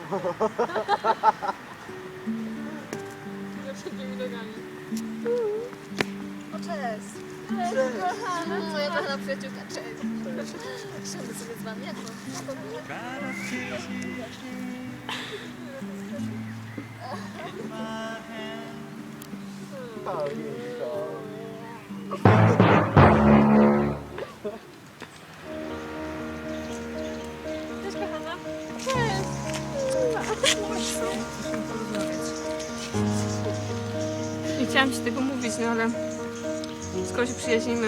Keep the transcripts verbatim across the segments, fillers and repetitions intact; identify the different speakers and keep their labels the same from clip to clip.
Speaker 1: Takimi nogami.
Speaker 2: O, cześć. Cześć. Kochana, twoja kochana przyjaciółka, cześć. Siądę sobie z wami, jak to?
Speaker 1: Cześć, kochana. Nie chciałam ci tego mówić, no ale skoro się przyjaźnimy.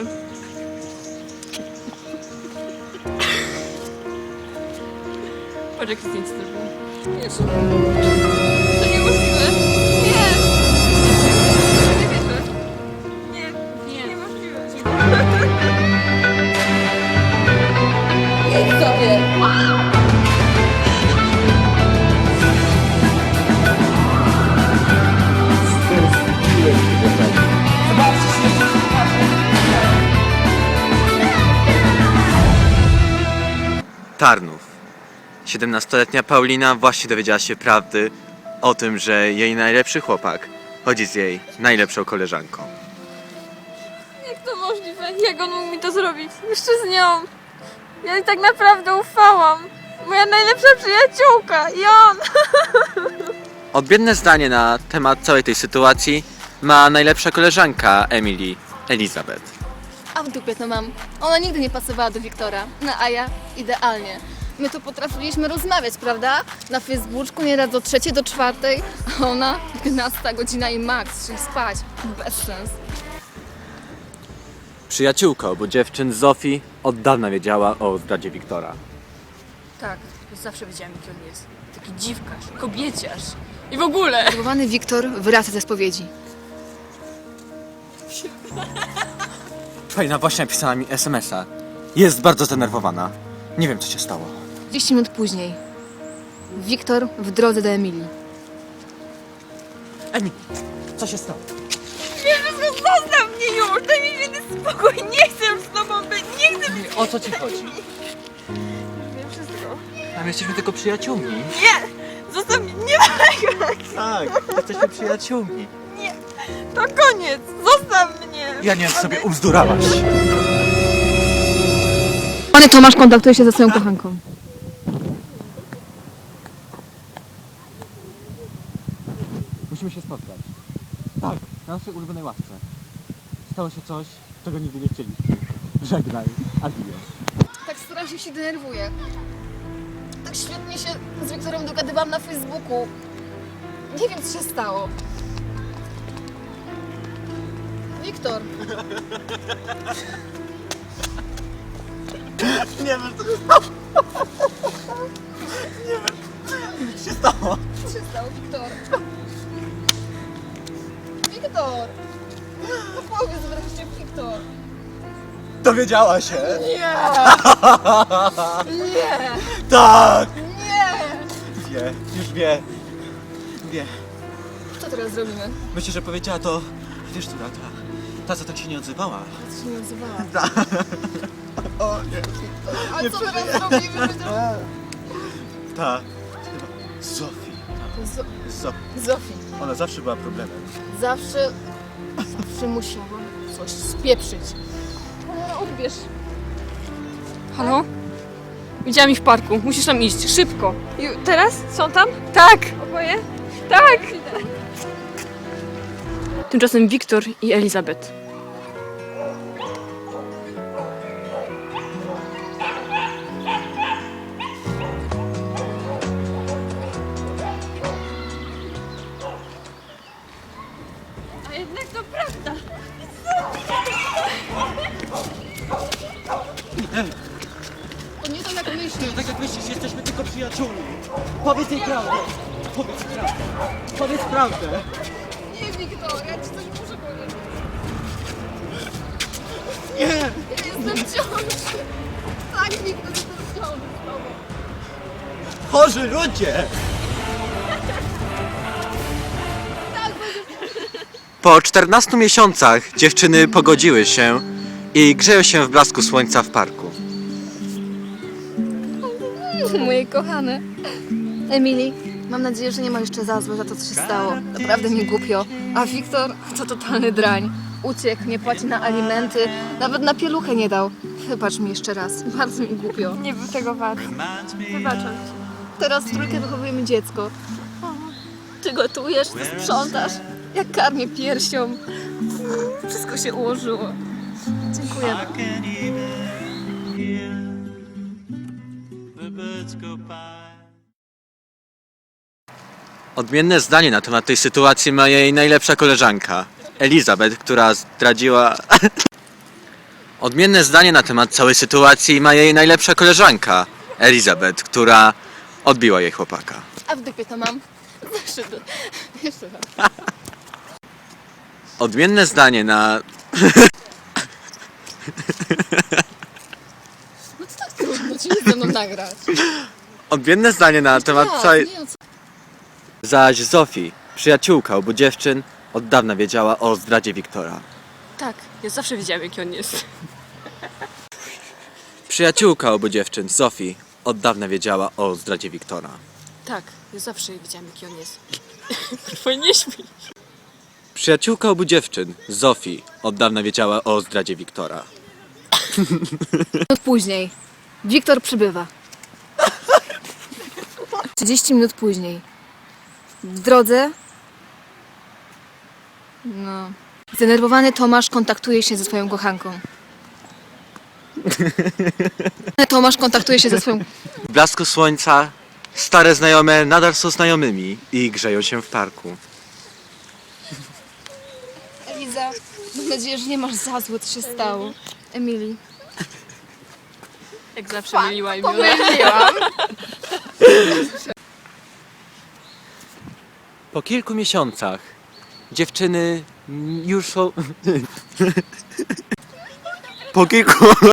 Speaker 1: Patrz, jak zdjęcie zrobił. Jeszcze. To niemożliwe. Nie! Nie wierzę. Nie, nie, niemożliwe.
Speaker 2: Idź sobie.
Speaker 3: Tarnów. siedemnastoletnia Paulina właśnie dowiedziała się prawdy o tym, że jej najlepszy chłopak chodzi z jej najlepszą koleżanką.
Speaker 1: Jak to możliwe? Jak on mógł mi to zrobić? Jeszcze z nią. Ja jej tak naprawdę ufałam. Moja najlepsza przyjaciółka i on.
Speaker 3: Odmienne zdanie na temat całej tej sytuacji ma najlepsza koleżanka Emily, Elizabeth.
Speaker 2: A w dupie to mam. Ona nigdy nie pasowała do Wiktora. No a ja idealnie. My tu potrafiliśmy rozmawiać, prawda? Na Facebooku nieraz do trzeciej, do czwartej, a ona dwunasta godzina i max, czyli spać. Bez sens.
Speaker 3: Przyjaciółka obu dziewczyn Zofii od dawna wiedziała o zdradzie Wiktora.
Speaker 1: Tak, zawsze wiedziałam, jaki on jest. Taki dziwkarz, kobieciarz. I w ogóle.
Speaker 2: Zdenerwowany Wiktor wraca ze spowiedzi.
Speaker 3: Fajna właśnie napisała mi es em es a. Jest bardzo zdenerwowana. Nie wiem, co się stało.
Speaker 2: trzydzieści minut później. Wiktor w drodze do Emilii.
Speaker 3: Emily, co się stało?
Speaker 1: Wiem, że zostaw mnie już. Daj mi święty spokój. Nie chcę już z tobą być. Nie chcę być.
Speaker 3: O co ci chodzi?
Speaker 1: Wiem wszystko.
Speaker 3: A my jesteśmy tylko przyjaciółmi.
Speaker 1: Nie! Zostaw mnie. Nie ma tego.
Speaker 3: Tak, jesteśmy przyjaciółmi.
Speaker 1: To koniec. Zostaw mnie.
Speaker 3: Ja nie wiem, co sobie ubzdurałaś.
Speaker 2: Panie Tomasz kontaktuje się ze swoją kochanką.
Speaker 3: Musimy się spotkać. Tak, na naszej ulubionej ławce. Stało się coś, czego nigdy nie chcieliśmy. Żegnaj, adios.
Speaker 2: Tak strasznie się denerwuję. Tak świetnie się z Wiktorem dogadywałam na Facebooku. Nie wiem, co się stało. Wiktor.
Speaker 3: Nie wiem, co się stało. Nie wiem, co się stało.
Speaker 2: Co się stało, Wiktor? Wiktor! No powiedz wreszcie, Wiktor.
Speaker 3: Dowiedziała się.
Speaker 2: Nie! Nie!
Speaker 3: Tak!
Speaker 2: Nie!
Speaker 3: Wie, już wie. Wie.
Speaker 2: Co teraz zrobimy?
Speaker 3: Myślę, że powiedziała to, wiesz, która ta, ta co tak się nie odzywała.
Speaker 2: Co się nie odzywała?
Speaker 3: O nie.
Speaker 2: A co teraz zrobimy?
Speaker 3: Ta, chyba Zofii.
Speaker 2: Z-
Speaker 3: Zofii.
Speaker 2: Zofii.
Speaker 3: Ona zawsze była problemem.
Speaker 2: Zawsze, zawsze musiałam coś spieprzyć. Ale odbierz.
Speaker 1: Halo? Widziałam ich w parku. Musisz tam iść. Szybko. I teraz? Są tam? Tak. Oboje? Tak. Tymczasem Wiktor i Elizabeth. A jednak to prawda.
Speaker 2: To nie tak jak myślisz.
Speaker 3: Tak jak myślisz, jesteśmy tylko przyjaciółmi. Powiedz jej prawdę. Powiedz prawdę. Powiedz prawdę.
Speaker 2: Nie, Wiktor, ja ci coś muszę powiedzieć.
Speaker 3: Nie.
Speaker 2: Ja jestem w ciąży. Tak, Wiktor, jestem w ciąży z tobą.
Speaker 3: Chorzy ludzie. Po czternastu miesiącach dziewczyny pogodziły się i grzeją się w blasku słońca w parku.
Speaker 2: Moje kochane. Emily, Mam nadzieję, że nie ma jeszcze za złe za to, co się stało. Naprawdę mi głupio. A Wiktor to totalny drań. Uciekł, nie płaci na alimenty, nawet na pieluchę nie dał. Wybacz mi jeszcze raz, bardzo mi głupio.
Speaker 1: Nie był tego wart. Wybaczam ci.
Speaker 2: Teraz w trójkę wychowujemy dziecko. Ty gotujesz, ty sprzątasz. Ja karmię piersią. Wszystko się ułożyło. Dziękuję.
Speaker 4: I can't even hear the birds go by.
Speaker 3: Odmienne zdanie na temat tej sytuacji ma jej najlepsza koleżanka, Elizabeth, która zdradziła... Odmienne zdanie na temat całej sytuacji ma jej najlepsza koleżanka, Elizabeth, która odbiła jej chłopaka.
Speaker 2: A w dupie to mam. Zeszyt. Jeszcze raz.
Speaker 3: Odmienne zdanie na...
Speaker 2: No to tak trudno ci ze mną nagrać.
Speaker 3: Odmienne zdanie na temat
Speaker 2: Tak,
Speaker 3: całej...
Speaker 2: nie, o co-
Speaker 3: Zaś Zofii, przyjaciółka obu dziewczyn, od dawna wiedziała o zdradzie Wiktora.
Speaker 1: Tak, ja zawsze wiedziałam, jaki on jest.
Speaker 3: Przyjaciółka obu dziewczyn, Zofii, od dawna wiedziała o zdradzie Wiktora.
Speaker 1: Tak, ja zawsze wiedziałam, jaki on jest. Twój nie śpi.
Speaker 3: Przyjaciółka obu dziewczyn, Zofii, od dawna wiedziała o zdradzie Wiktora.
Speaker 2: Minut później. Wiktor przybywa. trzydzieści minut później. W drodze. No. Zdenerwowany Tomasz kontaktuje się ze swoją kochanką. Tomasz kontaktuje się ze swoją.
Speaker 3: W blasku słońca stare znajome nadal są znajomymi i grzeją się w parku.
Speaker 2: Eliza, mam nadzieję, że nie masz za złe, co się stało. Emily.
Speaker 1: Jak zawsze myliła i miła.
Speaker 2: Pomyliłam.
Speaker 3: Po kilku miesiącach dziewczyny już są... Po kilku...